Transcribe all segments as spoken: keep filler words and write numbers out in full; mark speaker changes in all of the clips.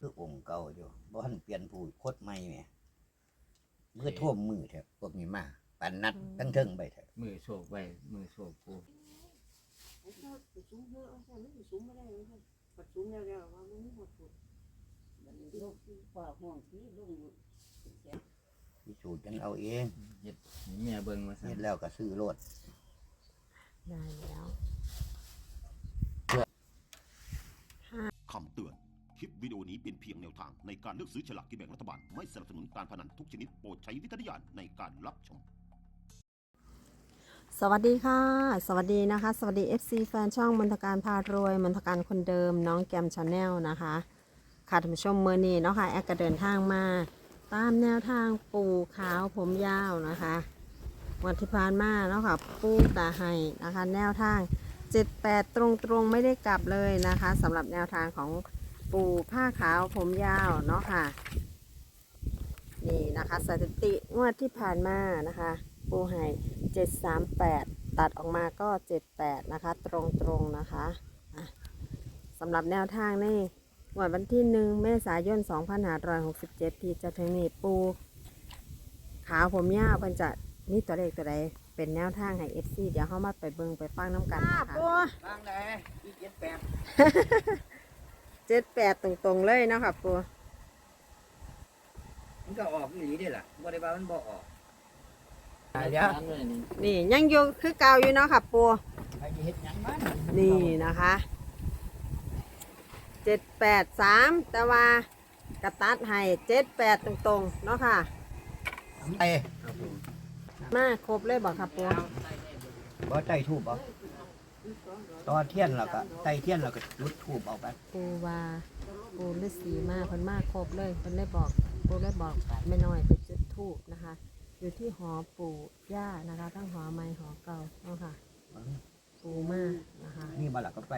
Speaker 1: คือองค์เก่าอยู่บ่ทันเปลี่ยนผู้โคตรใหม่แหมมือท่วมมือแท้พวกนี้มาปันนัดตั้งเทิงไปแท้
Speaker 2: มือโชคไว้มือโชคปู
Speaker 3: สูงเยอะใช่ไม่สูงไม่ได้เลยปัดสูงแล้วๆว่ามันไม่หมดสุดมันลูกฝ่าห่วงที่ลุง
Speaker 1: พิสูจน์กันเอาเอง
Speaker 2: เฮ็ดให้แม่เบิ่งว่าซั่
Speaker 1: เฮ็
Speaker 2: น
Speaker 1: ดแล้วก็ซื้อรถ
Speaker 4: ได้แล้ว
Speaker 5: คำเตือน คลิปวิดีโอนี้เป็นเพียงแนวทางในการเลือกซื้อฉลากกินแบ่งรัฐบาล ไม่สนับสนุนการพนันทุกชนิดโปรดใช้วิจารณญาณในการรับชม
Speaker 4: สวัสดีค่ะ สวัสดีนะคะ สวัสดี เอฟ ซี แฟนช่องมนทการพารวยมนทการคนเดิมน้องแกมชาแนลนะคะค่ะท่านผู้ชมเมื่อนี้เนาะค่ะแอดก็เดินทางมาตามแนวทางปู่ขาวผมยาวนะคะวันที่ผ่านมาเนาะค่ะปู่ตาไห้นะคะแนวทางเจ็ดแปดตรงๆไม่ได้กลับเลยนะคะสำหรับแนวทางของปู่ผ้าขาวผมยาวเนาะค่ะนี่นะคะสถิติงวดที่ผ่านมานะคะปู่ไห้เจ็ดสามแปดตัดออกมาก็เจ็ดแปดนะคะตรงๆนะคะสำหรับแนวทางนี่วันที่หนึ่งเมษายนสองพันห้าร้อยหกสิบเจ็ดที่จะถึงนี้ปูขาวผมยาวเพิ่นจะนี่ตัวเลขตัวใดเป็นแนวทางให้ เอฟ ซี เดี๋ยวเข้ามาไปเบิ่งไปฟังน้ำกันนะคะปู
Speaker 1: บางได้อีเจ็ดแปด
Speaker 4: เจ็ดแปดตรงๆเลยเนาะค่ะปู
Speaker 1: มันก็ออกอีหลีได้ล่ะบ่ได้ว่ามันบ่ออก
Speaker 2: เดี๋ยวนี่
Speaker 4: นี่ยังอยู่คือเก่าอยู่เนาะค่ะปู
Speaker 1: ใครจะเฮ็ดหยังมัน
Speaker 4: นี่นะคะเจ็ดแปดสามแต่ว่ากระตัดให้เจ็ดแปดตรงๆเนาะค่ะ
Speaker 1: ไอ้
Speaker 2: ครับผม
Speaker 4: มาครบเลยบอกค่ะปู
Speaker 1: บ่ใต้ทูบเอาตอเทียนแล้วก็ใต้เทียนแล้วก็จุดทูบเอาไป
Speaker 4: ปูว่าปูฤาษีมาเพิ่นมาครบเลยเพิ่นได้บอกปูได้บอกไม่น้อยไปจุดธูปนะคะ อยู่ที่หอปู่ย่านะคะทั้งหอไม้หอเก่าเนาะค่ะปูมานะคะ
Speaker 1: นี่บ่ล่ะก็ไป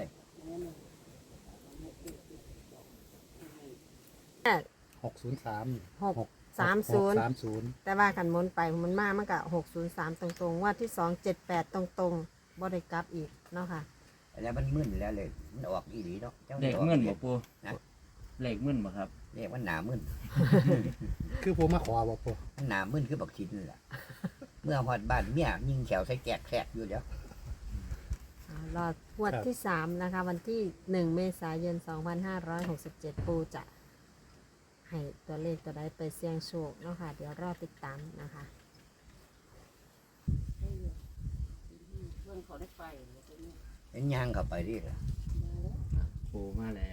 Speaker 6: หกศูนย์สาม
Speaker 4: หกสามศูนย์
Speaker 6: สามศูนย์
Speaker 4: แต่ว่ากันหมนไปมันมามันก็หกศูนย์สามตรงๆว่าที่สองเจ็ดแปดตรงๆบ่ได้กลับอีกเนาะค่ะ
Speaker 1: แล้วมันมึนแล้วเลยมันออกอีหลีเนาะจัง
Speaker 2: เลขมึนบ่ปูเลขมึนบ่ครับ
Speaker 1: เลขมันหนามึน
Speaker 6: คือผมมาขอบอกพ่อ
Speaker 1: มันหนามึนคือบักชินนั่นล่ะเมื่อฮอดบ้านเมียยิงแขวใส่แกกแขกอยู่เดี๋ยว
Speaker 4: อ่ารองวดที่สามนะคะ วันที่หนึ่งเมษายนสองพันห้าร้อยหกสิบเจ็ดปูจะให้ตัวเลขตัวใดไปเสี่ยงโชคเนาะค่ะ เดี๋ยวรอติดตามนะคะ
Speaker 3: เพื่อนเขาได้ไป
Speaker 1: เห็นยางเข้าไปดิล่ะ
Speaker 2: ปูมาแล้ว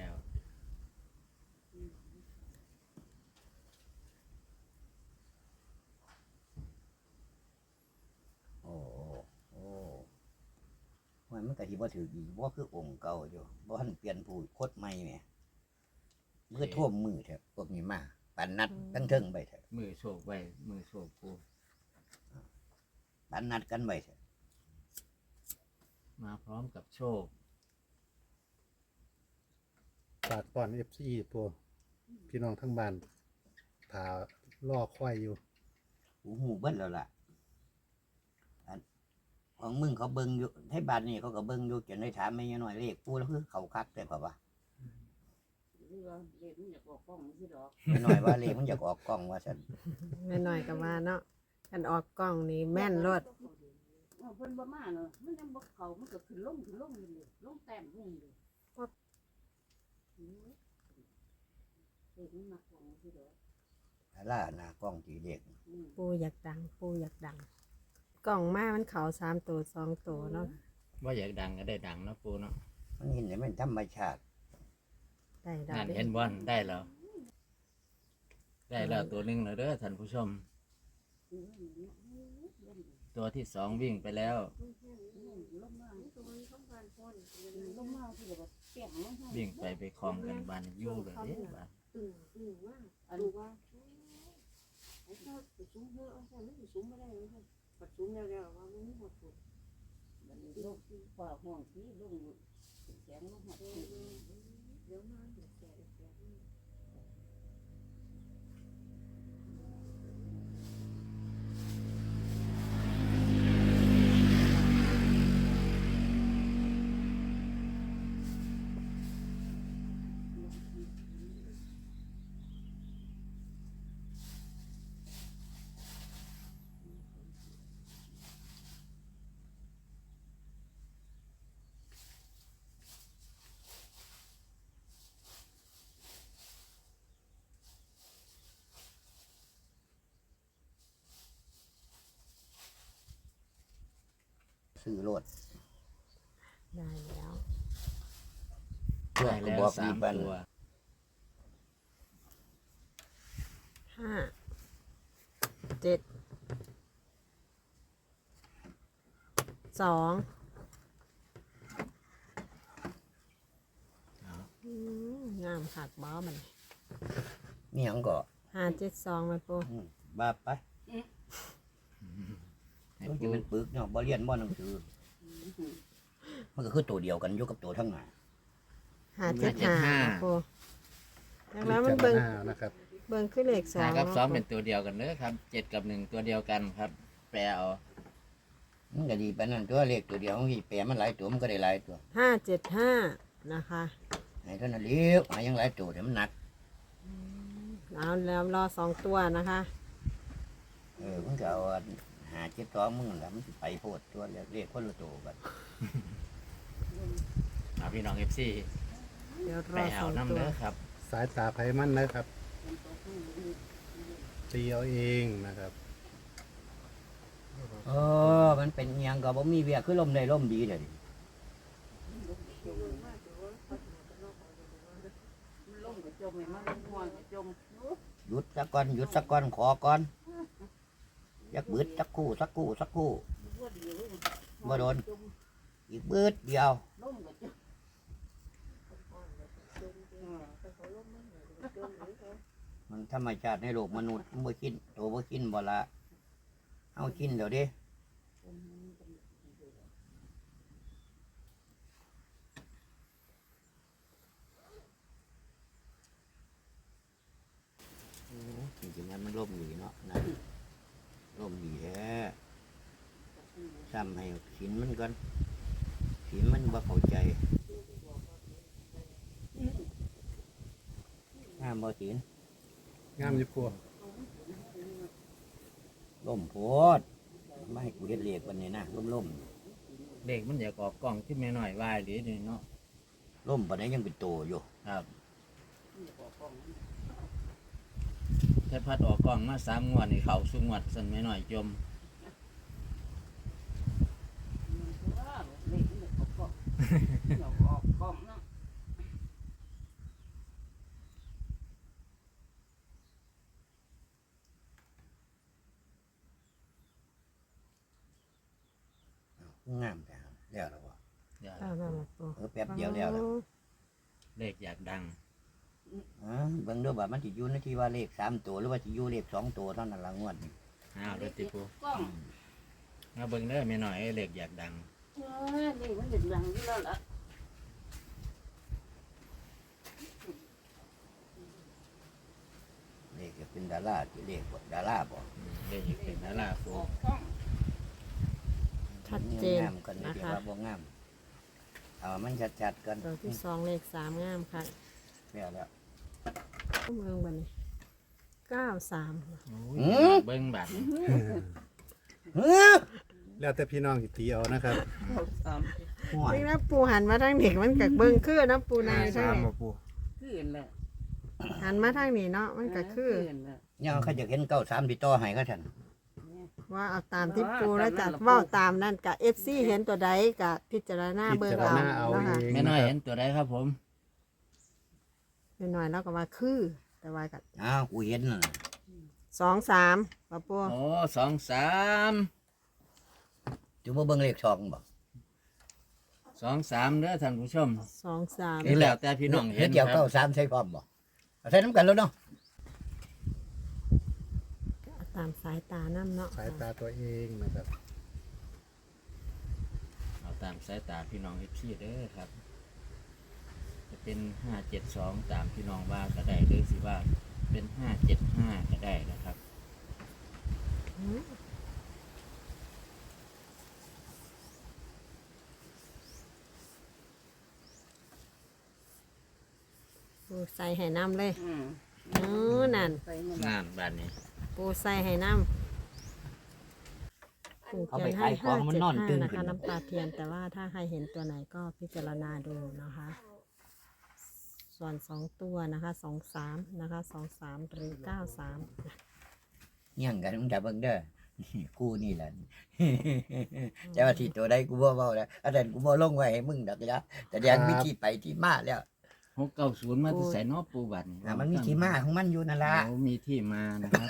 Speaker 1: โอ้โอ้โอ้มันมันก็สิบ่ถืออีกบ่คือองค์เก่าอยู่บ่ทันเปลี่ยนผู้โคตรใหม่แหมมือท่วมมือแท้พวกนี้มาปันนัดตั้งเทิงไปแท้
Speaker 2: มือโชคไว้มือโชคปู
Speaker 1: ปันนัดกันไว้แท้
Speaker 2: มาพร้อมกับโชค
Speaker 6: ฝากก่อนเอฟซีพ่อพี่น้องทั้งบ้านถาล่อควายอยู่
Speaker 1: หูหูเบิดแล้วล่ะอันของมึงเขาเบิ่งอยู่ให้บ้านนี้เขาก็เบิ่งอยู่จนได้ถามแม่ยายน้อยเลขปูแล้วคือเขาคักแต่ก็ว่า
Speaker 3: เรือเล็กมันอยากออกกล้องที่ดอก
Speaker 1: แม่น้อยว่าเลขมันอยากออกกล้องว่าซั่น
Speaker 4: ไม่น้อยกับว่าเนาะกันออกกล้องนี่แม่นรถ
Speaker 3: เพิ่นบ่มาเนาะมันยังบ่เขามันก็ขึ้นลงขึ้นลงเลยลงแต้มลงเลยเด็กมันมากล้องที่ดอก
Speaker 1: ล่าหน้ากล้องสีเด็ก
Speaker 4: ปูอยากดังปูอยากดัง กล่องมามันเขาสามตัวสองตัวเนาะ
Speaker 2: ว่าอยากดังก็ได้ดังเนาะปูเนาะ
Speaker 1: มันเห็นได้มันธรรมชาติ
Speaker 4: ได้ดา
Speaker 2: นั่น
Speaker 4: ว
Speaker 2: เห็นบ่ได้แล้ว ได้แล้วตัวหนึงแล้วเด้อท่านผู้ชม ตัวที่สองวิ่งไปแล้ว
Speaker 3: ลงมาลงมาที่แบบเปียกลงมา
Speaker 2: วิ่งไปไปคลองกันบานอยู่เลยเด้บ้าน
Speaker 3: อืมอืมว่าอันนี้ว่าไอ้เจ้าสูงเยอะใช่ไม่สูงไม่ได้เลยปัดสูงแล้วแล้วว่ามันไม่หมดสุดมันลูกฝ่าห่วงที่ลุงแสงลูกหดเดี๋ยวมาเดี๋ยวแสงแสง
Speaker 1: ซื้อโลด
Speaker 4: ได้แล้ว
Speaker 1: เพื่อ
Speaker 2: ได้
Speaker 1: ก็
Speaker 2: แล้ว
Speaker 1: บอก
Speaker 2: สา
Speaker 1: ดี
Speaker 2: ม
Speaker 1: ปัน
Speaker 2: ตัว
Speaker 4: ห้าเจ็ดสองอืมงามขักบ้ามัน
Speaker 1: นี่หยังก็
Speaker 4: ห้าเจ็ดสองไปปู
Speaker 1: อืมบ้าไป
Speaker 2: ให้
Speaker 1: ต้อง
Speaker 2: ปู
Speaker 1: จะเป็นปึกเนาะบ่เรียนบ่หนังสือมันก็คือตัวเดียวกันอยู่กับตัวทั้งหน้า
Speaker 4: ห้าเจ็ดห้าปูแล้วมันเบิ่ง
Speaker 6: พิจารณานะครับ
Speaker 4: เบิ่งขึ้นเลขสอ
Speaker 2: ห้างกับสองเป็น
Speaker 4: เนาะ
Speaker 2: ตัวเดียวกันเด้อครับเจ็ดกับหนึ่งตัวเดียวกันครับ แปลเอา
Speaker 1: มันก็ดีปานนั้นตัวเลขตัวเดียวมันสิแปลมันหลายตัวมันก็ได้หลายตัว
Speaker 4: ห้าเจ็ดห้านะคะ
Speaker 1: ให้เท่านั้นเลี้ยวหายังหลายตัวเดี๋ยวมันหนัก
Speaker 4: เอาแล้วรอสองตัวนะคะ
Speaker 1: เออมันก็เอาอันหาเจ็ดสองมึงนั่นล่ะมันสิไปโพดตัวเลขเลขคนละตัวกัน
Speaker 2: เอาพี่น้องเอฟซี
Speaker 4: เดี๋ยวร
Speaker 2: ไป
Speaker 4: อส
Speaker 2: เอา
Speaker 4: อง
Speaker 2: น้ำ
Speaker 4: ตัว
Speaker 2: เด้อครับ
Speaker 6: สายตาไพมันนะครับตีเอาเองนะครับ
Speaker 1: เออมันเป็นอิหยังก็บ่มีเวียคือลมได้ลมดีเด้อดิ
Speaker 3: ลงก็จมให้มันม่วงก็จม
Speaker 1: หยุดสักก่อนหยุดสักก่อนขอก่อนยักบืดสักครู่สักครู่สักครู่
Speaker 3: บ่ดีเลย
Speaker 1: บ่โดนอีกบืดเดียว
Speaker 3: ลงก็จมอืมแต่เขาลงมันก็จมเลยเขา
Speaker 1: มันธรรมชาติในโลกมนุษย์มันบ่กินตัวบ่กินบ่ละเอากินเดี๋ยวดิโอ้จริงๆแล้วมันร่มดีเนาะนะร่มดีแท้ซ้ำให้ขินมันก่อนขินมันบ่เข้าใจงามบ่ขิน
Speaker 6: งามอยู่พวก
Speaker 1: ล่มโพดไม่ให้กูเฮ็ดเลขวันนี้นะล่มล่ม
Speaker 2: เด็กมันอยากออกกล่องขึ้นมาหน่อยวายหรือนี่เนาะ
Speaker 1: ล่มปันนี้ยังเป็นโตอยู่
Speaker 2: ครับถ้าพัดออกกล่องมาสามงวดนี่เขาสุงวดสันไม่หน่อยจม
Speaker 3: ว่าเล็กมันออกกล้องเดี๋ยวออกกล้องเนาะ
Speaker 1: งามแต่แล้วแล้วบ่
Speaker 2: เดี๋ยว
Speaker 4: เอาแล้วล่ะปู
Speaker 1: เออแป๊บเดียวแล้วแล้ว
Speaker 2: เลขอยากดัง
Speaker 1: อ๋อเบิ่งดูว่ามันสิอยู่ในที่ว่าเลขสามตัวหรือว่าสิอยู่เลขสองตัวเท่านั้นละงวดนี้
Speaker 2: อ้าวเด้อติปู
Speaker 3: กล้อง
Speaker 2: มาเบิ่งเด้อไม่หน่อยเลขอยากดัง
Speaker 3: เออนี่มันเป็นดังอยู่แล้วล่ะ
Speaker 1: เลขจะเป็นดาราที่เลขบ่ดาราบ่
Speaker 2: อืมเลขอยากเป็นนาราปู
Speaker 3: ออกกล้อง
Speaker 4: ชัดเจน
Speaker 1: งามกันนี่
Speaker 4: นะ
Speaker 1: เดี๋ยว
Speaker 4: คะ
Speaker 1: ว่าบ่งามเอามันชัดๆกัน
Speaker 4: ตัวที่สองเลขสามงามค่ะ
Speaker 1: แล้วแล้ว
Speaker 4: เมืองบันนี้เก้าสาม
Speaker 2: โอ้ยเบิ่งบัตร
Speaker 1: เฮ้อ
Speaker 6: แล้วแต่พี่น้องสิตีเอานะครับ
Speaker 3: เอาสาม
Speaker 1: ห่วย
Speaker 4: จริงนะปูหันมาทางเด็กมันกับเบิ้งคือนะปูในใช่ไหม
Speaker 3: คืนละ
Speaker 4: หันมาทางนี้เนาะมันก็คือ
Speaker 3: นละ
Speaker 1: เนี่ยเขาจะเห็นเก้าสามที่ต่อให้ก็ทัน
Speaker 4: ว่าเอาตามที่ปูแล้วจัดเว่าตามนั่นกับเอฟซีเห็นตัวใดกับพิจารณา
Speaker 6: พิ
Speaker 4: เบิ้ง
Speaker 6: จาร
Speaker 4: เอา
Speaker 6: ณาเอา
Speaker 4: นะคะ
Speaker 6: เอง
Speaker 2: ไม่
Speaker 6: นะ
Speaker 2: น้อย
Speaker 6: ค
Speaker 2: เห็
Speaker 6: รับ
Speaker 2: นตัวใดครับผม
Speaker 4: เป็นหน่อยแล้วก็ว่าคือ แต่ว่ากับ
Speaker 1: อ้าวกูเห็นน่ะ
Speaker 4: สองสามปะปู
Speaker 2: โอ้สองสาม
Speaker 1: จุบ่เบิ่งเลขช่องบ่
Speaker 2: สองสามเด้อท่านผู้ชม
Speaker 4: สองสาม
Speaker 2: นี่แล้วแต่พี่น้องเห็น
Speaker 1: เกี่ยว
Speaker 2: ครั
Speaker 1: เก้า
Speaker 2: บ
Speaker 1: สามใช่พร้อมบ่เอาใส่น้ำกันแล้วเนาะ
Speaker 4: ตามสายตาน้ำเนาะ
Speaker 6: สายตาตัวเองนะครับ
Speaker 2: เอาตามสายตาพี่น้องเอฟซีเด้อครับ จะเป็นห้าเจ็ดสองตามพี่น้องว่าก็ได้หรือสิว่าเป็นห้าเจ็ดห้าก็ได้นะครับ
Speaker 4: อืมปูใส่ให้น้ำเลย
Speaker 3: อืม
Speaker 4: เออนั่น
Speaker 3: ไปมัน
Speaker 2: งานบ้านนี้
Speaker 4: ปูใส่ให้น้ำปูเขียนให้ห้าเจ็ดห้านะคะน้ำตาเทียนแต่ว่าถ้าใครเห็นตัวไหนก็พิจารณาดูนะคะ ส่วนสองตัวนะคะสองสามนะคะสองสามหรือเก้าสาม
Speaker 1: เงี้ยงกันมึงจะเบิ่งเด้อกูนี่แหละ แต่ว่าที่ตัวใดกูบ่เว้าแล้วอันนั้นกูบ่ลงไว้ให้มึงดอกจ้ะแต่แดงมีที่ไปที่มาแล้ว
Speaker 2: หกเก้าศูนย์มาที่ใส่นอปูบัตร
Speaker 1: อ่ะมันมีที่มาของมันอยู่นั่นล่ะ
Speaker 2: โอ้มีที่มานะครับ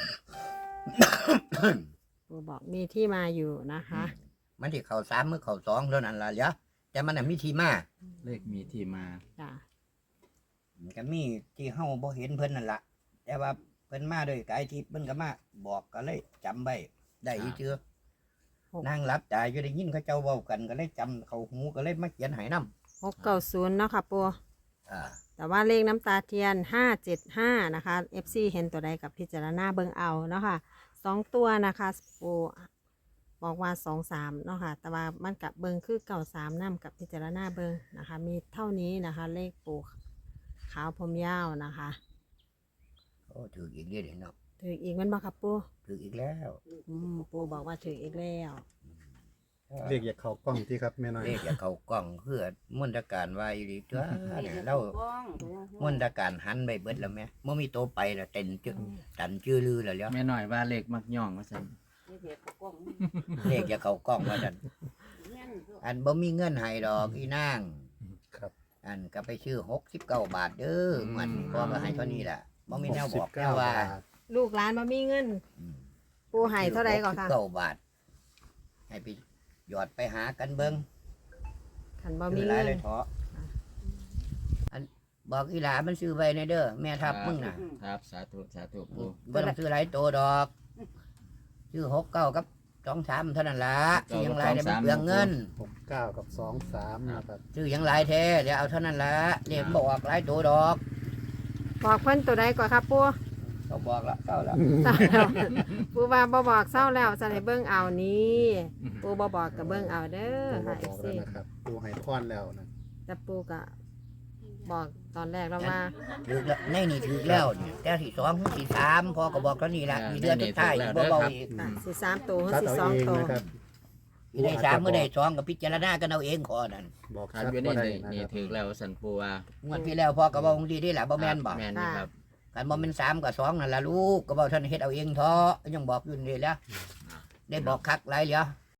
Speaker 4: ปูบอกมีที่มาอยู่นะคะ
Speaker 1: มันที่เข้าสามมือเข้าสองเท่านั้นล่ะเดี๋ยวแต่มันน่ะมีที่มา
Speaker 2: เลขมีที่มา
Speaker 4: จ้ะ
Speaker 1: มันก็มีที่เฮาบ่เห็นเพิ่นนั่นล่ะแต่ว่าเพิ่นมาด้วยกายทิพย์เพิ่นก็มาบอกก็เลยจำไว้ได้อีเจือนั่งรับตาอยู่ได้ยินเขาเจ้าเว้ากันก็เลยจำเข้าหูก็เลยมาเขียนให้นำ
Speaker 4: หกเก้าศูนย์เนาะค่ะปู
Speaker 1: อ่า
Speaker 4: แต่ว่าเลขน้ำตาเทียนห้าเจ็ดห้านะคะ เอฟ ซี เห็นตัวใดกับพิจารณาเบิ่งเอาเนาะค่ะสองตัวนะคะปูบอกว่าสองสามเนาะค่ะ แต่ว่ามันกับเบิ่งคือเก่าสามน้ำกับพิจารณาเบิ่งนะคะ มีเท่านี้นะคะ เลขปูขาวผมยาวนะคะ
Speaker 1: โอ้ถืออีกเด้อเด้อเนาะ
Speaker 4: ถืออีกแมันบ่ครับปู
Speaker 1: ถืออีกแล้ว
Speaker 4: อืมปูบอกว่าถืออีกแล้ว
Speaker 6: เรียกอยากเข้ากล้องที่ครับแม่น้อย
Speaker 1: เลขอย่าเข้ากล้องคือมนตการว่าอีหลีตัวเนี่ยเรา
Speaker 3: บ้อง
Speaker 1: มนตการหันไปเบิดแล้วแม่บ่มีโตไปแล้วเต็นจื้อตันจื้อลือแล้วเดี๋ยว
Speaker 2: แม่น้อยว่าเลขมักย่องว่าซั่น
Speaker 3: ไม่เห็นกล้อง
Speaker 1: เลขอย่าเข้ากล้องว่าซั่น
Speaker 3: แม่น
Speaker 1: อันบ่มีเงินให้ดอกอีนาง
Speaker 6: ครับ
Speaker 1: อันก็ไปชื่อหกสิบเก้าบาทเด้อมันพ่อก็ให้เท่านี้แหละบ่มีแนวบอกแนวว่า
Speaker 4: ลูกหลานมามีเงิน
Speaker 1: อืม
Speaker 4: ปูให้เท่าไรก่อนค่ะ
Speaker 1: หกสิบเก้าบาท ให้ไปหยอดไปหากันเบิ่ง
Speaker 4: ขันบ่
Speaker 1: ซื้
Speaker 4: มี
Speaker 1: อหลาย
Speaker 4: เงิน
Speaker 1: เลยเถาะอันบอกอีหลามันซื้อไว้ในเด้อแม่ทับมึงน่ะ
Speaker 2: ครับสาธุสาธุปู
Speaker 1: บ่ต้องซื้อหลายโตดอกซื้อหกเก้ากับสองสามเท่านั้นล่ะซื้อหยังหลายเดี๋ยวมันเปลืองเงิน
Speaker 6: หกเก้ากับสองสามนะครับ
Speaker 1: ซื้อหยังหลายแท้เดี๋ยวเอาเท่านั้นล่ะเรียกบอกหลายโตดอก
Speaker 4: บอกเพิ่นตัวใดก่อนครับปู
Speaker 1: เขาบอกละเก้าละ
Speaker 4: เศร้าแล้วปูว่าบ่บอกเศร้าแล้วจะให้เบิ่งเอานี้ปูบ่บอกกับเบิ่งเอาเด้อ
Speaker 6: ปู
Speaker 4: ค่ะ
Speaker 6: บอก
Speaker 4: เอฟ
Speaker 6: แล้ว
Speaker 4: ซี
Speaker 6: นะครับปูให้พรแล้วนะ
Speaker 4: แต่ปูก็บอกตอนแรกแล้วว่า
Speaker 1: ถือแล้วในนี่ถือแล้วเนี่ยแต่ที่สองที่สามพอก็บอกเท่านี้ละมีเดือนสุดท้ายบ่เบาอีก
Speaker 4: ค่ะสิสามตัว
Speaker 6: ตัด
Speaker 4: สิ
Speaker 6: เอา
Speaker 4: สอง
Speaker 6: เอง
Speaker 4: ตัว
Speaker 6: นะครับ
Speaker 1: อีได้สามเมื่อได้สองก็พิจารณากันเอาเองขอนั่น
Speaker 6: บอก
Speaker 2: ครับ
Speaker 6: ชัด
Speaker 2: อยู่ใน
Speaker 6: ว่าได้
Speaker 2: นี่
Speaker 6: นะ
Speaker 2: นี่
Speaker 6: ครับ
Speaker 2: ถือแล้วสันปูว่าง
Speaker 1: วดที่แล้วพ่อก็บอกดีได้แหละบ่แม่นบอก
Speaker 2: แม่นนี่ครับ
Speaker 1: กันบ่แม่นสามกับสองนั่นล่ะลูกก็บอกท่านเฮ็ดเอาเองเถาะยังบอกอยู่นี่แหล้วได้บอกคักหลายเหลือ